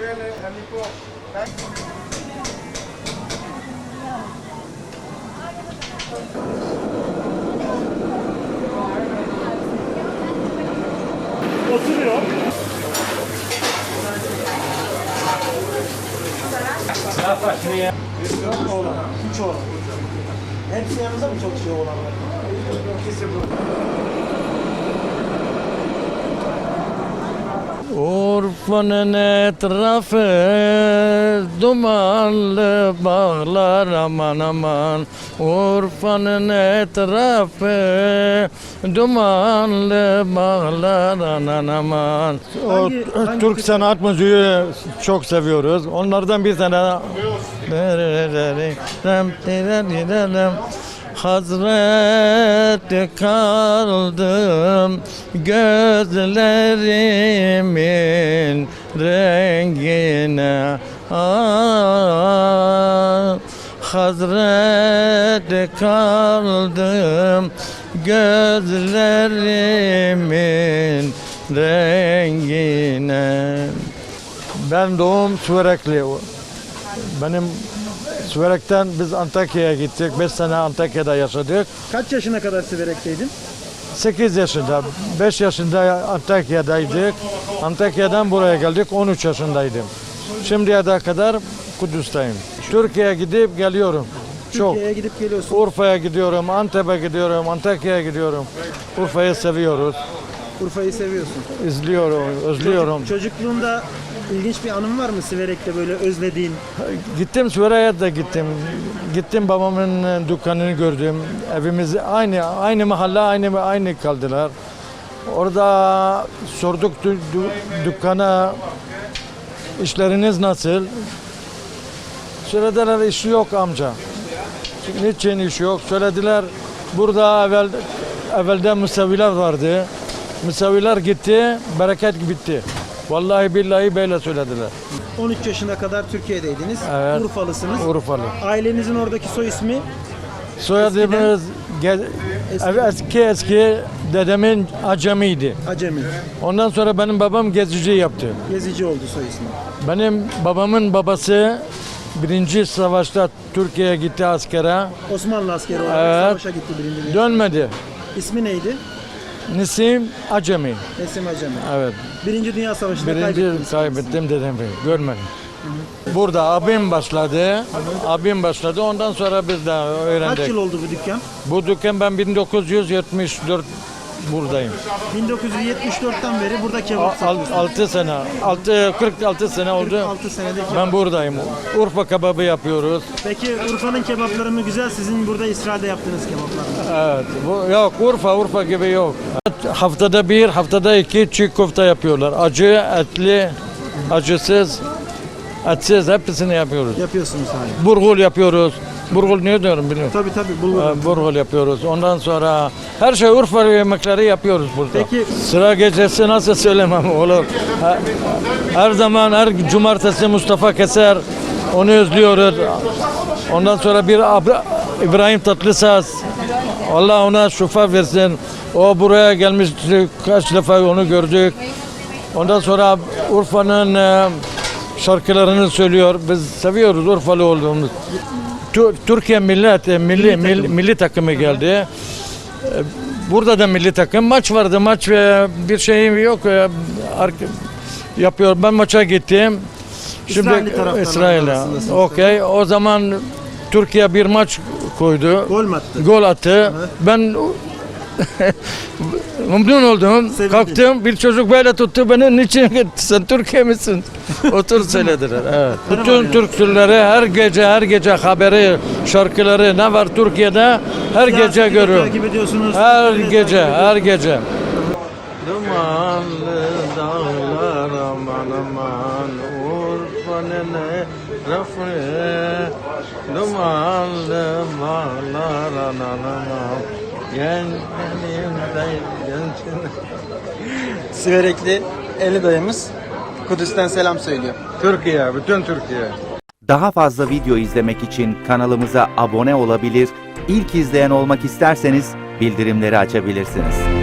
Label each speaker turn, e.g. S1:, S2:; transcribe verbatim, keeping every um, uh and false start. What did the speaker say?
S1: Oturuyor. Dört oğlan, üç oğlan. Hepsi yanınızda mı çalışıyor oğlanlar? İkisi burada.
S2: Urfa'nın etrafı dumanlı bağlar aman aman. Urfa'nın etrafı dumanlı bağlar aman aman. O
S1: Hangi- hangi
S2: Türk
S1: tür-
S2: sanat müziği çok seviyoruz. Onlardan bir tane Hazreti kaldım gözlerimin rengine ah, Hazreti kaldım gözlerimin rengine. Ben doğum Sürekli. Benim Sürek'ten biz Antakya'ya gittik. beş sene Antakya'da yaşadık.
S1: Kaç yaşına kadar Siverek'teydin?
S2: sekiz yaşında, beş yaşında Antakya'daydık. Antakya'dan buraya geldik, on üç yaşındaydım. Şimdiye de kadar Kudüs'teyim. Türkiye'ye gidip geliyorum. Çok.
S1: Türkiye'ye gidip geliyorsun.
S2: Urfa'ya gidiyorum, Antep'e gidiyorum, Antakya'ya gidiyorum. Urfa'yı seviyoruz.
S1: Urfa'yı seviyorsun.
S2: İzliyorum, özlüyorum.
S1: Çocukluğunda ilginç bir anın var mı Siverek'te böyle özlediğin?
S2: Gittim Suriye'ye de gittim. Gittim babamın dükkanını gördüm. Evimiz aynı aynı mahalle aynı aynı kaldılar. Orada sorduk dü- dü- dükkana işleriniz nasıl? Söylediler iş yok amca. Niçin iş yok? Söylediler burada evvel evvelde müseviler vardı. Müseviler gitti, bereket bitti. Vallahi billahi böyle söylediler.
S1: on üç yaşına kadar Türkiye'deydiniz.
S2: Evet.
S1: Urfalısınız.
S2: Urfalı.
S1: Ailenizin oradaki soy ismi
S2: Soyadımız ge-
S1: Eski.
S2: ev- eski eski dedemin Acemiydi.
S1: Acemi.
S2: Ondan sonra benim babam gezici yaptı.
S1: Gezici oldu soy ismi.
S2: Benim babamın babası birinci savaşta Türkiye'ye gitti askere.
S1: Osmanlı askeri olarak
S2: Evet.
S1: savaşa gitti birinci Dünya.
S2: Dönmedi.
S1: İsmi neydi?
S2: Nisim Acemi.
S1: Nesim Acemi.
S2: Evet.
S1: Birinci Dünya Savaşı'nda
S2: Birinci
S1: kaybettiniz.
S2: kaybettim dedem. Görmedim. Burada abim başladı. Abim başladı. Ondan sonra biz de öğrendik.
S1: Kaç yıl oldu bu dükkan?
S2: Bu dükkan ben bin dokuz yüz yetmiş dört buradayım.
S1: bin dokuz yüz yetmiş dörtten beri burada kebap satıyorsunuz.
S2: altı sene, altı kırk altı sene oldu.
S1: kırk altı senede kebap.
S2: Ben buradayım. Urfa kebabı yapıyoruz.
S1: Peki Urfa'nın kebapları mı güzel? Sizin burada İsrail'de yaptığınız kebaplar mı?
S2: Evet. Bu, yok Urfa, Urfa gibi yok. Haftada bir, haftada iki çiğ köfte yapıyorlar. Acı, etli, acısız, etsiz hepsini yapıyoruz.
S1: Yapıyorsunuz hala.
S2: Burgul yapıyoruz. Burgul ne diyorum biliyorum.
S1: Tabii tabii bulgur.
S2: Ee, Burgul yapıyoruz. Ondan sonra her şey Urfa yemekleri yapıyoruz burada.
S1: Peki-
S2: Sıra gecesi nasıl söylemem olur. Her, her zaman her cumartesi Mustafa Keser onu özlüyoruz. Ondan sonra bir Ab- İbrahim Tatlıses. Allah ona şifa versin. O buraya gelmişti. Kaç defa onu gördük. Ondan sonra Urfa'nın e, şarkılarını söylüyor. Biz seviyoruz Urfalı olduğumuz. Tü- Türkiye millet, e, milli, milli,
S1: takım.
S2: milli takımı geldi. E, Burada da milli takım maç vardı. Maç e, bir şeyim yok. E, ark- Yapıyor. Ben maça gittim.
S1: İsrailli taraftarlar
S2: İsrail'e.
S1: arasındasınız.
S2: Okey. O zaman Türkiye bir maç koydu.
S1: Gol mü attı?
S2: Gol attı. Ben memnun oldum.
S1: Sevindin.
S2: Kalktım. Bir çocuk böyle tuttu beni. Niçin sen Türkiye misin? Otur söylediler. Evet. Bütün Türk türleri her gece her gece haberi, şarkıları ne var Türkiye'de her
S1: Siyaseti
S2: gece
S1: de
S2: görüyorum.
S1: takip ediyorsunuz.
S2: Her
S1: Türkiye'de
S2: gece,
S1: takip
S2: her gece. Dumanlı dağlar aman aman Urfa'nın rafı Dumanlı bağlar aman aman Gençliğimde gençliğimde
S3: Siverekli Eli dayımız Kudüs'ten selam söylüyor.
S2: Türkiye, bütün Türkiye.
S4: Daha fazla video izlemek için kanalımıza abone olabilir, ilk izleyen olmak isterseniz bildirimleri açabilirsiniz.